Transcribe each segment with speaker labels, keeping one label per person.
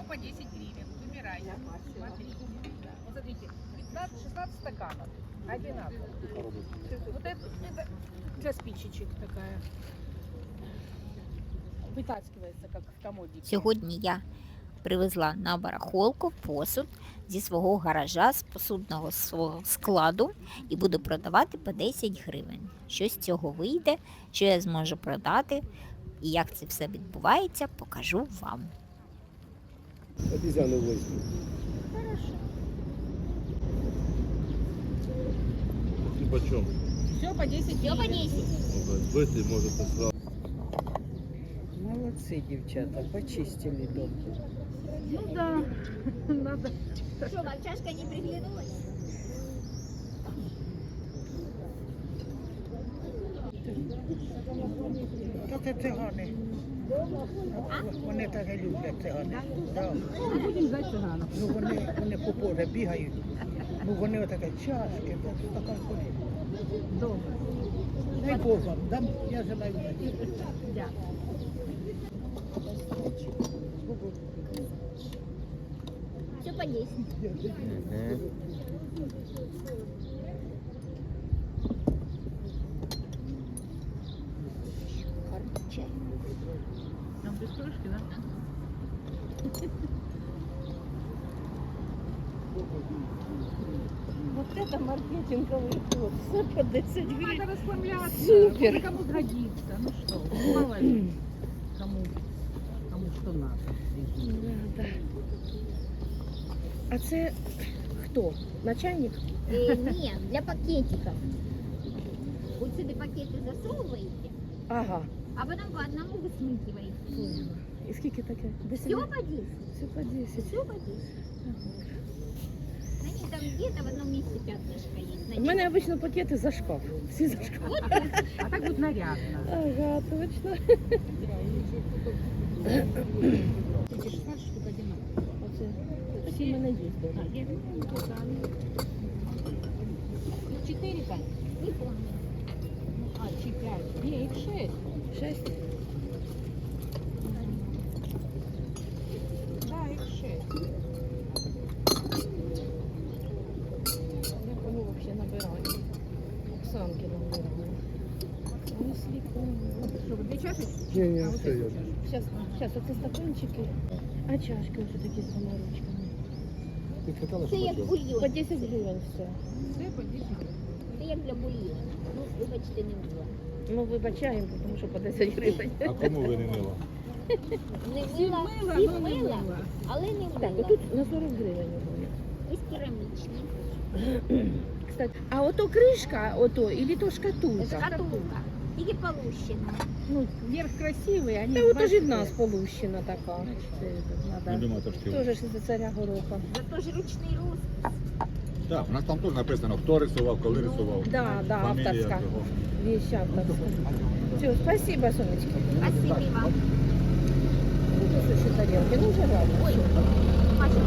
Speaker 1: по 10 гривен. Выбирайте. Смотрите. Да. Вот смотрите, 15-16 стаканов. Одинаково. Вот это для спичечек такая. Вытаскивается, как в комоде.
Speaker 2: Сьогодні я привезла на барахолку посуд зі свого гаража, з посудного свого складу і буду продавати по 10 гривень. Що з цього вийде, що я зможу продати і як це все відбувається, покажу вам.
Speaker 3: Обезьяну возьму.
Speaker 1: Хорошо.
Speaker 3: И почем?
Speaker 1: Все по 10 гривен.
Speaker 3: Сбытый может сразу.
Speaker 4: Молодцы, девчата, почистили дом.
Speaker 1: Ну да, надо.
Speaker 5: Что, мальчашка не приглянулась?
Speaker 4: То це цигани. Вони так і люблять цигани. Да.
Speaker 1: Ну, будем ждать цыганов.
Speaker 4: Ну вони по полю бігають. Ну вони отаке чашки, така коли.
Speaker 1: Добре.
Speaker 4: Дай Бог вам, дам, я желаю удачі.
Speaker 1: Дякую.
Speaker 5: Все по 10. Чай.
Speaker 1: Там без крышки, да?
Speaker 4: Вот это маркетинговий ход. Все по 10 гривень.
Speaker 1: Надо расслабляться.
Speaker 4: Супер.
Speaker 1: Может, кому сгодится. Ну что, мало ли. Кому что надо.
Speaker 4: Да. А це хто? Начальник?
Speaker 5: Нет, для пакетиков. Вот сюда пакеты засовываете,
Speaker 4: Ага.
Speaker 5: а потом по одному вы смыкиваете.
Speaker 4: І скільки таке? 10
Speaker 5: Все по 10.
Speaker 4: Все по 10.
Speaker 5: Все по 10. Они там где-то в одном месте пятнышко есть.
Speaker 4: У мене обично пакети за шкаф. Всі за шкаф.
Speaker 5: Вот
Speaker 1: А так будет нарядно.
Speaker 4: Ага, точно.
Speaker 1: Эти 16 штук одинаково.
Speaker 4: Оце. Всі в мене є вдома.
Speaker 1: 4 там?
Speaker 5: не помню.
Speaker 1: А, 5. Не, их 6.
Speaker 4: 6.
Speaker 1: Да, их 6.
Speaker 4: Я кого взагалі набираю? Оксанки набираю. Ой, сліпо.
Speaker 1: Что, две чашечки?
Speaker 3: Не,
Speaker 1: А вот
Speaker 3: все
Speaker 1: эти
Speaker 3: я.
Speaker 1: чашечки.
Speaker 4: Зараз оце стаканчики, а чашки ось такі з двома ручками.
Speaker 3: Ты хотела,
Speaker 5: Это як
Speaker 3: чтобы
Speaker 5: бульйон.
Speaker 4: По 10 гривень все.
Speaker 1: Все по 10 гривен.
Speaker 5: Це як для бульйону. Ну, вибачте, не було.
Speaker 4: Ну, вибачаємо, тому що по 10 гривень.
Speaker 3: А кому ви не мила?
Speaker 5: Не
Speaker 1: Всі
Speaker 5: мила,
Speaker 1: мила,
Speaker 5: всі
Speaker 1: но не
Speaker 5: мила,
Speaker 1: мила.
Speaker 5: але не
Speaker 4: Так,
Speaker 5: мила.
Speaker 4: отут на 40 гривень вони.
Speaker 5: Ось керамічні.
Speaker 4: Кстати, а ото кришка, ото, или то шкатулка?
Speaker 5: Шкатулка. Тільки полущена.
Speaker 4: Ну,
Speaker 1: Верх красивый, они
Speaker 4: та ото ж і в
Speaker 1: большие.
Speaker 4: нас полущена така.
Speaker 3: Надо. Матушки.
Speaker 4: Тоже ж за царя гороха.
Speaker 5: Зато ж ручний розпис.
Speaker 6: Так, у нас там теж написано, хто рисував, коли рисував.
Speaker 4: Да, да,
Speaker 6: Фамілія
Speaker 4: авторська.
Speaker 6: цього.
Speaker 4: Вещь авторська. Все, спасибо, Сонечка.
Speaker 5: Спасибо вам.
Speaker 4: Тут еще тарелки, ну уже рано.
Speaker 5: Ой, Маша,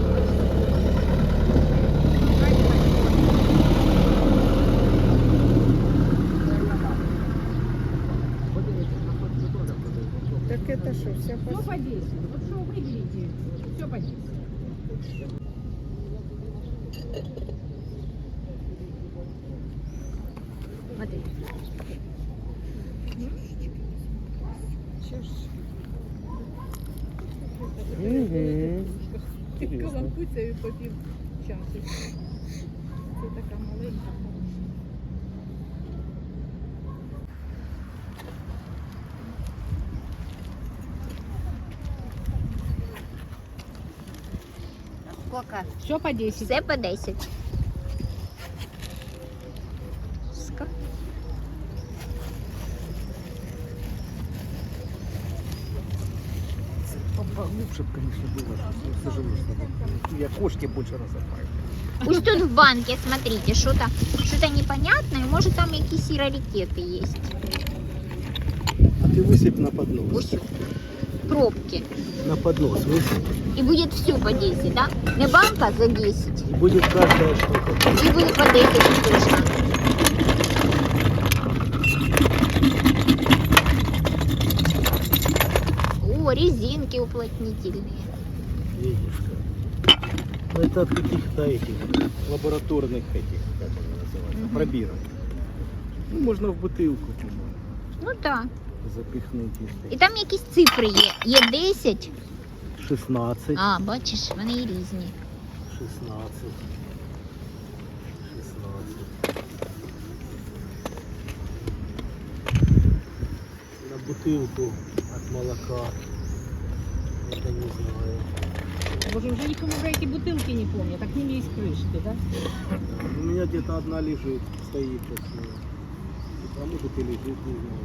Speaker 4: Так это что, вся
Speaker 1: Все по 10. Вот что выберите, все по 10.
Speaker 4: Смотри.
Speaker 1: Каламбуця і попів чашечку. Це така маленька.
Speaker 5: сколько?
Speaker 1: Все по 10.
Speaker 5: Все по 10.
Speaker 3: Лучше, конечно, было, что сожалею, что я кошки больше разобраю.
Speaker 5: Ось тут в банке, смотрите, что-то непонятное, может там якісь раритеты есть.
Speaker 3: А ты высыпь на поднос.
Speaker 5: Ось пробки.
Speaker 3: На поднос высыпь.
Speaker 5: И будет все по 10, да? Не банка за 10.
Speaker 3: И будет каждая штука.
Speaker 5: И будет по 10 точно. О, резинки уплотнительные.
Speaker 3: Видишь как. Ну это от каких-то этих лабораторных этих, как они называются, пробирок. Ну можно в бутылку, по-моему,
Speaker 5: Ну так.
Speaker 3: запихнуть
Speaker 5: І
Speaker 3: їх.
Speaker 5: там якісь цифри є. Є 10.
Speaker 3: 16.
Speaker 5: А, бачиш, вони і різні.
Speaker 3: 16. 16. На бутылку от молока. Это не знаю.
Speaker 1: Боже, уже не помню, эти бутылки не помню, так к ним есть крышки, да?
Speaker 3: У меня где-то одна лежит, стоит сейчас. А может и лежит, не знаю.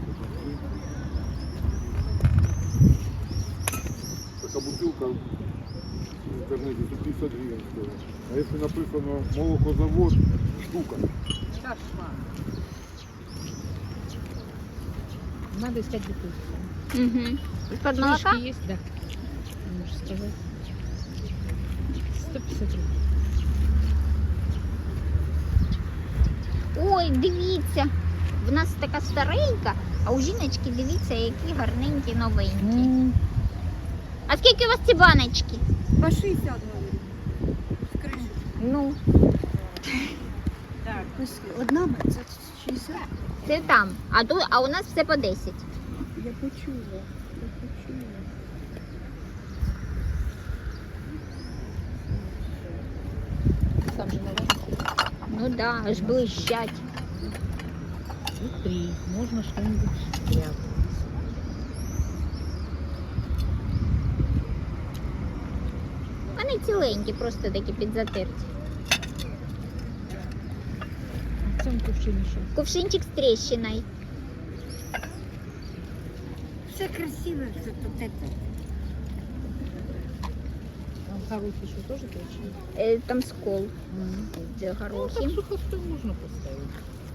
Speaker 6: Така бутилка в інтернеті за 50 гривень стоїть. А якщо написано молокозавод, штука.
Speaker 1: Кошмар. Надо искать бутылку.
Speaker 5: Угу. З-під молока?
Speaker 1: Крышки есть, да. Можешь сказать. 150 рублей.
Speaker 5: Ой, дивіться. В нас така старенька, а у жіночки дивіться, які гарненькі новенькі. А скільки у вас ці баночки?
Speaker 7: По 60, говорю. З криші.
Speaker 5: Ну,
Speaker 1: Так,
Speaker 7: Ось одна це 60.
Speaker 5: це там. А у нас все по 10.
Speaker 7: Я почула.
Speaker 1: сам же наверное.
Speaker 5: Ну да, аж блищать.
Speaker 1: Смотри, можно что-нибудь спрятать.
Speaker 5: Вони ціленькі, просто такі підзатерті.
Speaker 1: В цьому кувшині що?
Speaker 5: Кувшинчик з тріщиною.
Speaker 7: Все красиво, все тут это.
Speaker 1: Там хороший що теж точно?
Speaker 5: Там скол. Де
Speaker 1: Ну,
Speaker 5: горохи.
Speaker 1: так сухостой можно поставить.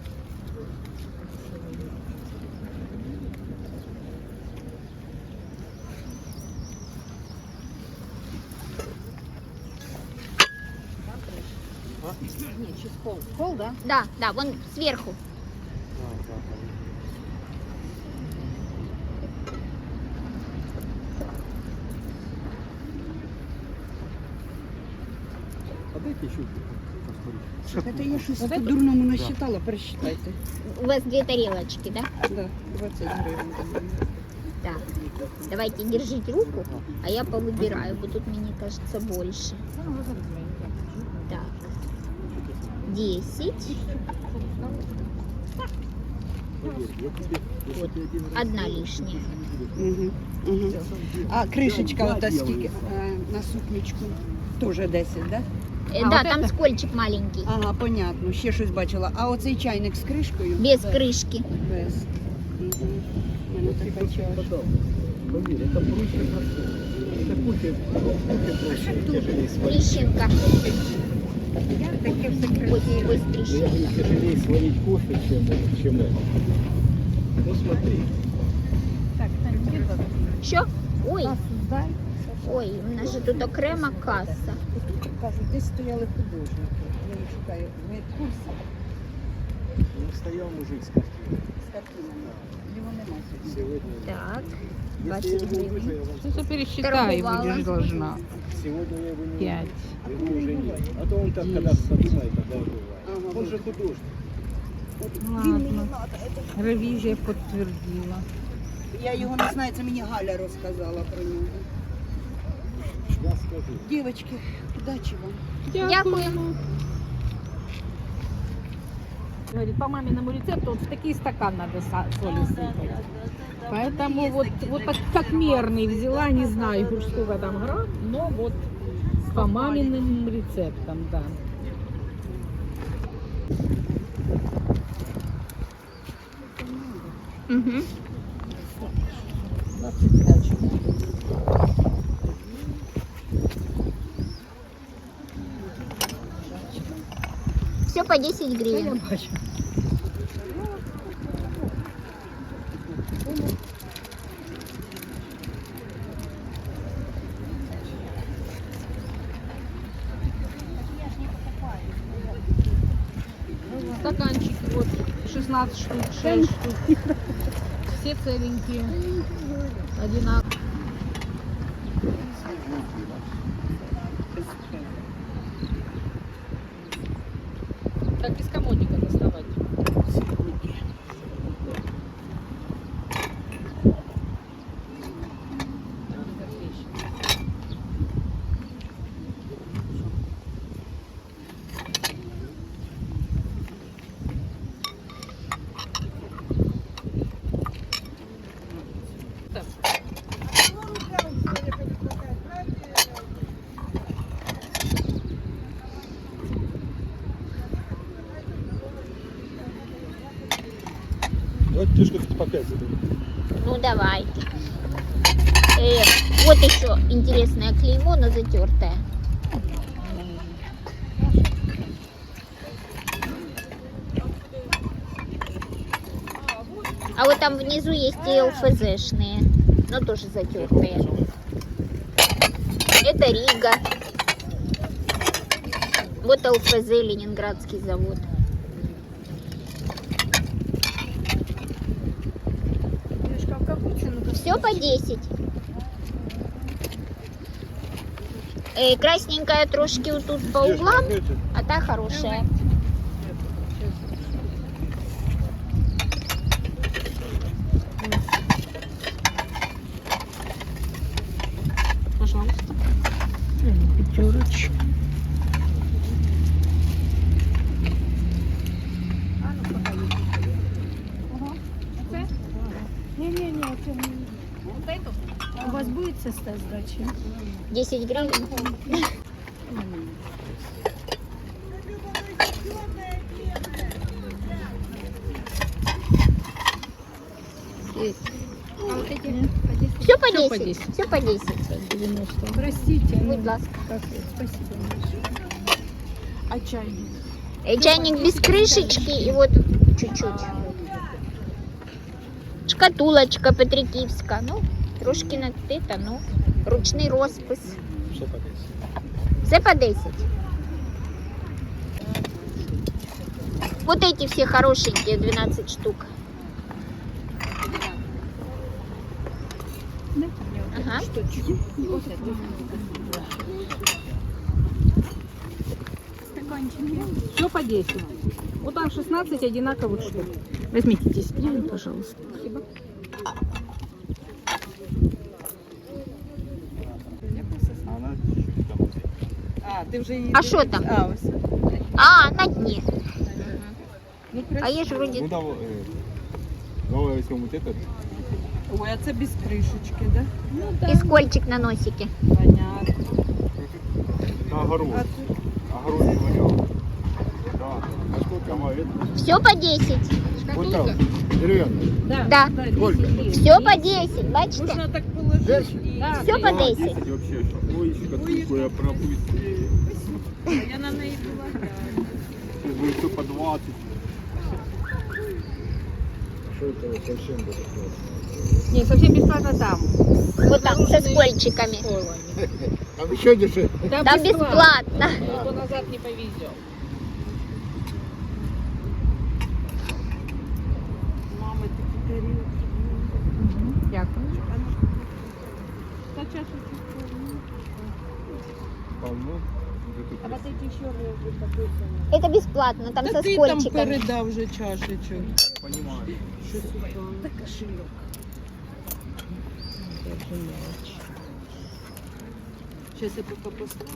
Speaker 1: Нет, сейчас пол. Пол, да?
Speaker 5: Да, да, вон зверху.
Speaker 3: А дайте еще посмотреть.
Speaker 7: Это я щось
Speaker 1: Вот это?
Speaker 7: по-дурному насчитала, просчитайте.
Speaker 5: У вас 2 тарелочки, да?
Speaker 7: Да, 20 гривень.
Speaker 5: Так. Давайте держите руку, а я повыбираю, бо тут, мне кажется, больше. Так. 10. Вот. Одна лишняя.
Speaker 7: Угу, угу. А кришечка ота скільки? На супничку. Тоже 10, да?
Speaker 5: Да,
Speaker 1: вот
Speaker 5: там
Speaker 1: это?
Speaker 5: скольчик маленький.
Speaker 7: Ага, понятно. Ще щось бачила. А оцей чайник з кришкою?
Speaker 5: Без крышки.
Speaker 7: Без. Угу. У мене така чашка.
Speaker 3: Поверь, это проще простого. Это кофе проще, тяжелее сварить.
Speaker 5: Трещинка.
Speaker 7: Таке все
Speaker 5: Ось
Speaker 3: Мне
Speaker 5: трещинка.
Speaker 3: тяжелее сварить кофе, чем это. Ну смотри.
Speaker 1: Так, Таня, где это?
Speaker 5: Що? Ой,
Speaker 1: Кассу сдай.
Speaker 5: ой, у нас же тут окрема каса.
Speaker 7: Кажуть, десь стояли художники. Я не шукаю. Ви в курсі
Speaker 3: Ну, стоял мужик с картиной.
Speaker 7: з картинами? Його нема сьогодні.
Speaker 3: Сегодня,
Speaker 5: Так,
Speaker 3: если я
Speaker 5: 20
Speaker 3: его
Speaker 5: гривен.
Speaker 3: вызову, я вам
Speaker 1: Сейчас пересчитай, и
Speaker 5: Торговала.
Speaker 1: будешь должна.
Speaker 3: сегодня я его не
Speaker 1: 5.
Speaker 3: Его уже нет. А то он так, когда подумает, тогда и бывает.
Speaker 7: Ага,
Speaker 3: Он же художник.
Speaker 1: Ладно. Ревизия подтвердила.
Speaker 7: Я його не знаю, це мені Галя розказала про нього.
Speaker 3: Я скажу.
Speaker 7: Дівчатки, удачі вам.
Speaker 5: Дякуємо.
Speaker 1: Говорит, по маминому рецепту вот в такие стакан надо соли сыпать. Поэтому вот так как мерный взяла, не знаю уж сколько там грамм, но вот по маминым рецептам, да.
Speaker 5: Угу.
Speaker 1: 25.
Speaker 5: Все по 10
Speaker 1: Я
Speaker 5: гривен.
Speaker 1: бачу. Стаканчики вот 16 штук, 6 штук. Все целенькие. Одинаковые. Так без комодика доставать.
Speaker 3: Давайте те штуки по 5 заберем.
Speaker 5: Ну давайте. Вот еще интересное клеймо, но затертое. А вот там внизу есть и ЛФЗшные, но тоже затертые. Это Рига. Вот ЛФЗ, Ленинградский завод. Все по 10. Красненькая трошки вот тут по углам, а та хорошая.
Speaker 1: Пожалуйста.
Speaker 7: Пятерочка.
Speaker 8: У вас будет состав сдачи?
Speaker 5: 10 гривен. Все по
Speaker 1: Всё по
Speaker 5: 10.
Speaker 1: 10.
Speaker 5: Все по 10.
Speaker 1: 90.
Speaker 8: Простите.
Speaker 5: Будь ласка.
Speaker 8: Спасибо большое. А чайник?
Speaker 5: Чайник без крышечки и вот чуть-чуть. Шкатулочка Петриківська. Ну, трошки надпита, ну. Ручний розпис.
Speaker 3: Все по 10.
Speaker 5: Все по 10. Вот эти все хорошенькие, 12 штук. Ага.
Speaker 1: Все по 10. Вот там 16 одинаковых штук. Возьмите 10 гривен, пожалуйста. Спасибо.
Speaker 3: Она чуть-чуть там.
Speaker 7: А, ти вже її.
Speaker 5: А що там?
Speaker 7: А, ось.
Speaker 5: А, на дні.
Speaker 7: Ну,
Speaker 5: А є ж вроді.
Speaker 6: Ну давай, давай возьмем вот этот.
Speaker 7: Ой, а це без кришечки, да?
Speaker 5: І скольчик на носике.
Speaker 7: Понятно.
Speaker 6: На огород.
Speaker 7: А
Speaker 6: Огород не вариант. Да. А сколько? Давай, это.
Speaker 5: Все по 10.
Speaker 6: Вот там. Деревянный.
Speaker 5: Да.
Speaker 6: Сколько?
Speaker 5: Все по 10, бачите?
Speaker 7: можна так положити і...
Speaker 5: Все по
Speaker 6: Да,
Speaker 5: 10.
Speaker 6: 10 вообще. Ой, шкатулку я пропустил.
Speaker 7: Я на неї полагаю.
Speaker 6: Будет все по 20.
Speaker 3: Что это совсем бесплатно?
Speaker 1: Не, совсем бесплатно там.
Speaker 5: Вот там, со скольчиками.
Speaker 3: Там еще дешевле.
Speaker 5: Там бесплатно.
Speaker 1: То назад не повезем.
Speaker 7: Мами такі тарілки.
Speaker 1: Дякую.
Speaker 7: Та чашечку.
Speaker 6: Полно.
Speaker 8: А вот эти еще написано.
Speaker 5: Это бесплатно, там
Speaker 7: Та
Speaker 5: со
Speaker 7: ти там
Speaker 5: скольчиками.
Speaker 7: передав вже чашечок.
Speaker 6: Понимаю.
Speaker 7: Що сюди?
Speaker 8: Да кошелек.
Speaker 7: Зараз я поки поставлю.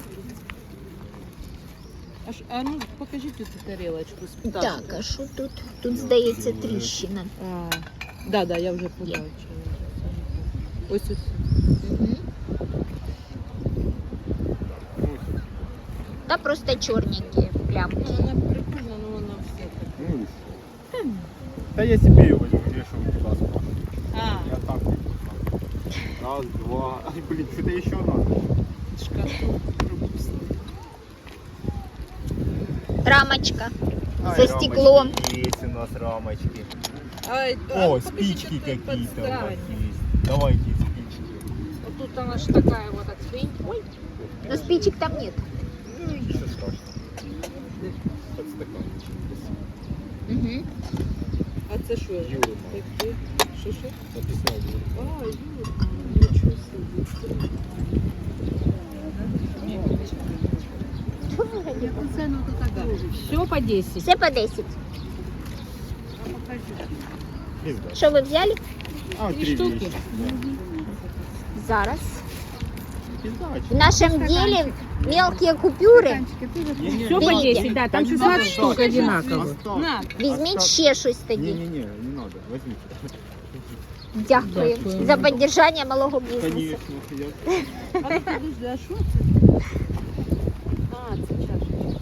Speaker 7: А ну покажіть цю тарілочку з пташкою.
Speaker 5: Так, а що тут? Тут, здається, тріщина.
Speaker 7: Да, я вже побачила. Ось ось.
Speaker 5: Мгм. Та просто чорненькі плямки.
Speaker 7: Ну, вона прикольна, але вона все таке.
Speaker 6: Ну, и всё. Да я себе ее возьму, вешаю туда справа.
Speaker 7: А,
Speaker 6: Я так вот. Раз, два. Ай, блин, что-то еще надо.
Speaker 7: шкатулку пропустила.
Speaker 5: Рамочка
Speaker 6: Ай,
Speaker 5: со стеклом.
Speaker 6: рамочки есть у нас рамочки.
Speaker 7: Ай,
Speaker 6: О,
Speaker 7: покажіть,
Speaker 6: спички
Speaker 7: як тут
Speaker 6: какие-то у вас
Speaker 7: подстань.
Speaker 6: есть. Давайте спички.
Speaker 1: Вот тут она же такая вот от свинь. Ой,
Speaker 5: Но спичек там нет.
Speaker 6: Ничего страшного. Под стаканчик.
Speaker 5: Угу.
Speaker 7: А це що?
Speaker 6: Юра,
Speaker 7: Таке? Що?
Speaker 6: написал Юра.
Speaker 7: А, Юрка. Нічого
Speaker 1: Все по 10.
Speaker 5: Все по 10.
Speaker 3: Пизда.
Speaker 5: Що ви взяли?
Speaker 3: А,
Speaker 1: 3
Speaker 3: 3
Speaker 1: штуки.
Speaker 3: вещи.
Speaker 5: Зараз.
Speaker 3: Пизда,
Speaker 5: В нашем деле мелкие купюры.
Speaker 1: Все по
Speaker 5: Берите.
Speaker 1: 10, да, там 16 штук одинаково.
Speaker 5: Візьміть ще щось тоді.
Speaker 3: Не-не-не, не надо, возьмите.
Speaker 5: Дякую
Speaker 1: Дякую.
Speaker 5: за підтримання малого бізнесу.
Speaker 3: Конечно, я...
Speaker 8: Подожди, а що це? А, це чашечка.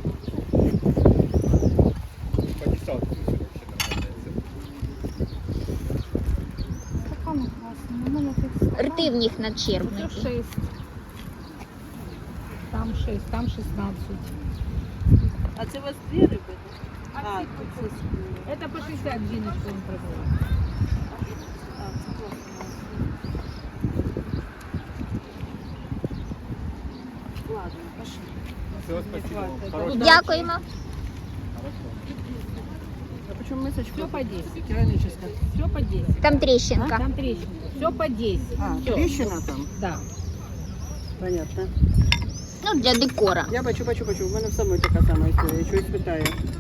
Speaker 3: По десятку вообще нормально.
Speaker 8: Така вона класна. У мене тут
Speaker 5: Рти в них
Speaker 1: Тут
Speaker 5: начерпнуті.
Speaker 1: 6. Там 6, там 16.
Speaker 8: А це у вас дві риби? А, тут це скули.
Speaker 1: Это по 60 Диночка им продала.
Speaker 8: А, це класно. Ладно, пошли.
Speaker 3: Все, спасибо вам.
Speaker 8: Хватит.
Speaker 3: Хорошего.
Speaker 5: Дякуємо.
Speaker 8: А почему мисочка?
Speaker 1: Все по 10.
Speaker 8: Керамическая.
Speaker 1: Все по 10.
Speaker 5: Там тріщинка.
Speaker 1: Там трещина. Все по 10.
Speaker 8: А,
Speaker 1: Всё.
Speaker 8: трещина там?
Speaker 1: Да.
Speaker 8: Понятно.
Speaker 5: Ну, для декора.
Speaker 8: Я бачу. У мене в самої така сама історія. Я чогось питаю.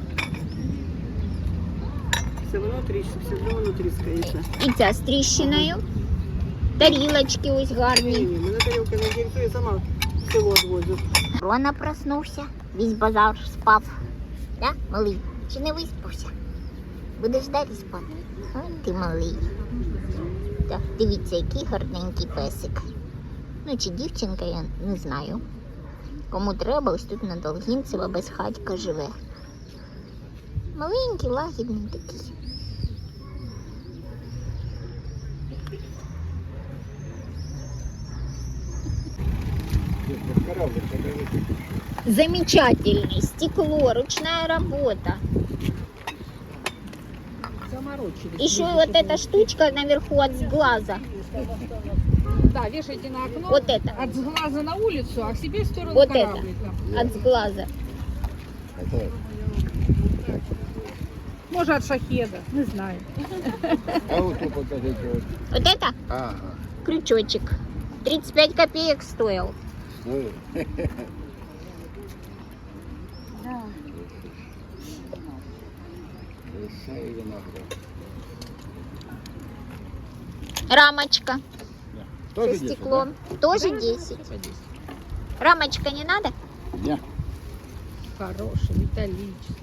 Speaker 8: Все воно тріскається.
Speaker 5: І ця з тріщиною. Тарілочки ось гарні.
Speaker 8: Ні, мене тарілка не інтересує, сама село відвозю.
Speaker 5: Рона проснувся, весь базар спав. Да, малий? Чи не виспався? Будеш далі спати? Ой, ти малий. Так, дивіться, який гарненький песик. Ну, чи дівчинка, я не знаю. Кому треба, ось тут на Долгінцева безхатька живе. Маленький, лагідний такий.
Speaker 3: Кораблик, покажите.
Speaker 5: Замечательный. Стекло, ручная работа.
Speaker 1: Заморочились.
Speaker 5: Еще вот эта штучка наверху от сглаза.
Speaker 1: Да, вешайте на окно.
Speaker 5: Вот это.
Speaker 1: От глаза на улицу, а к себе в сторону
Speaker 5: Вот это.
Speaker 1: кораблика.
Speaker 5: От сглаза.
Speaker 1: Может, от шахеда, не знаю.
Speaker 6: А вот тут покажите. Вот.
Speaker 5: Вот это
Speaker 6: Ага.
Speaker 5: крючочек. 35 копеек стоил.
Speaker 6: Ну,
Speaker 8: Да.
Speaker 6: большая виноград.
Speaker 5: Рамочка
Speaker 6: Тоже
Speaker 5: со
Speaker 6: 10,
Speaker 5: стеклом. Тоже 10.
Speaker 1: По 10.
Speaker 5: Рамочка не надо?
Speaker 6: да? Не.
Speaker 1: Хороший, металлический.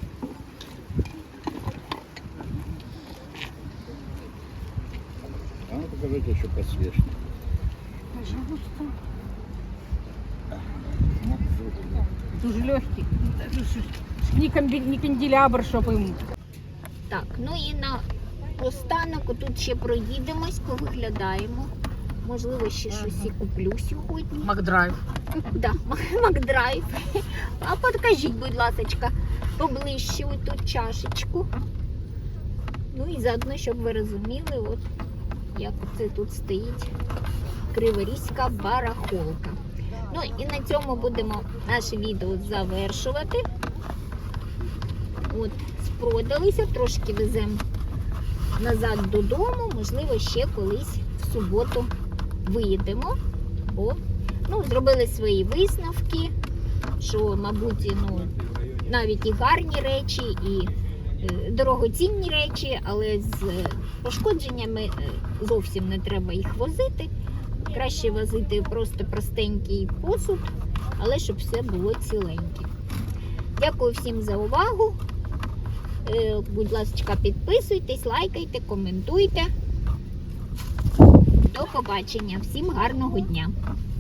Speaker 6: А ну покажите еще подсвечник.
Speaker 1: Дуже легкий. Не канделябр, щоб їм.
Speaker 5: Так, ну і на останок тут ще проїдемось, повиглядаємо. Можливо, ще щось і куплю сьогодні.
Speaker 1: Макдрайв.
Speaker 5: Да, Макдрайв. А покажіть, будь ласка, поближче оту чашечку. Ну і заодно, щоб ви розуміли, от як це тут стоїть Криворізька барахолка. Ну і на цьому будемо наше відео завершувати. От, спродалися, трошки веземо назад додому, можливо, ще колись в суботу виїдемо. Бо зробили свої висновки, що, мабуть, навіть і гарні речі, і дорогоцінні речі, але з пошкодженнями зовсім не треба їх возити. Краще возити просто простенький посуд, але щоб все було ціленьке. Дякую всім за увагу. Будь ласка, підписуйтесь, лайкайте, коментуйте. До побачення. Всім гарного дня.